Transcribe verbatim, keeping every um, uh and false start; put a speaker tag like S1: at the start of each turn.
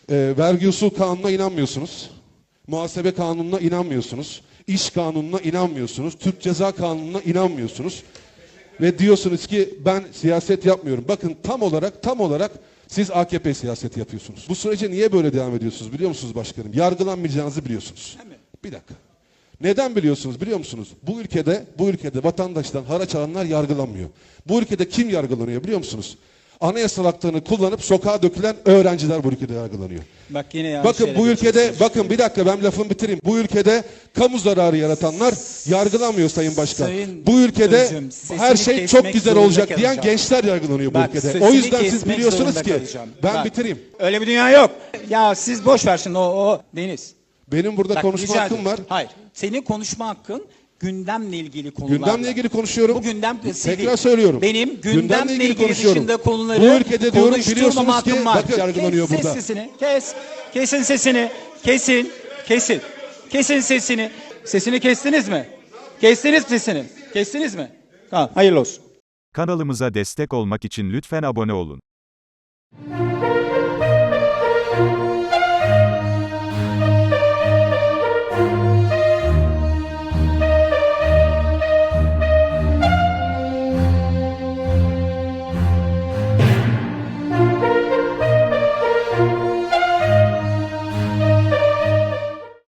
S1: E, vergi usul kanununa inanmıyorsunuz. Muhasebe kanununa inanmıyorsunuz. İş kanununa inanmıyorsunuz. Türk Ceza Kanunu'na inanmıyorsunuz. Ve diyorsunuz ki ben siyaset yapmıyorum. Bakın tam olarak tam olarak siz A K P siyaseti yapıyorsunuz. Bu sürece niye böyle devam ediyorsunuz biliyor musunuz başkanım? Yargılanmayacağınızı biliyorsunuz. Bir dakika. Neden biliyorsunuz biliyor musunuz? Bu ülkede bu ülkede vatandaştan haraç alanlar yargılanmıyor. Bu ülkede kim yargılanıyor biliyor musunuz? Anayasal haklarını kullanıp sokağa dökülen öğrenciler bu ülkede yargılanıyor.
S2: Bak yine yanlış
S1: Bakın
S2: yere
S1: bu ülkede,
S2: geçiyorsunuz.
S1: bakın bir dakika ben lafımı bitireyim. Bu ülkede kamu zararı yaratanlar yargılanmıyor Sayın Başkan.
S2: Sayın
S1: bu ülkede
S2: Özüm, sesini
S1: her şey çok
S2: kesmek
S1: güzel
S2: zorunda
S1: olacak diyen
S2: kalacağım.
S1: gençler yargılanıyor bu
S2: Bak,
S1: ülkede.
S2: sesini
S1: O yüzden siz
S2: kesmek
S1: biliyorsunuz
S2: zorunda
S1: ki
S2: kalacağım.
S1: ben
S2: Bak,
S1: bitireyim.
S2: Öyle bir dünya yok. Ya siz boş ver şimdi o, o Deniz.
S1: Benim burada
S2: Bak,
S1: konuşma
S2: rica
S1: hakkım
S2: ederim.
S1: var.
S2: Hayır. Senin konuşma hakkın gündemle ilgili konularla.
S1: Gündemle ilgili konuşuyorum.
S2: Bu gündem sivil.
S1: Tekrar söylüyorum.
S2: Benim gündemle, ilgili,
S1: konuşuyorum.
S2: dışında konuları
S1: Bu ülkede diyorum
S2: konuşturmama
S1: biliyorsunuz ki
S2: hakkım var.
S1: bakın yargılanıyor
S2: kes
S1: burada.
S2: sesini. Kes. Kesin sesini. Kesin. Kesin. Kesin sesini. Sesini kestiniz mi? Kestiniz sesini. Kestiniz mi? Tamam. Hayırlı olsun.
S3: Kanalımıza destek olmak için lütfen abone olun.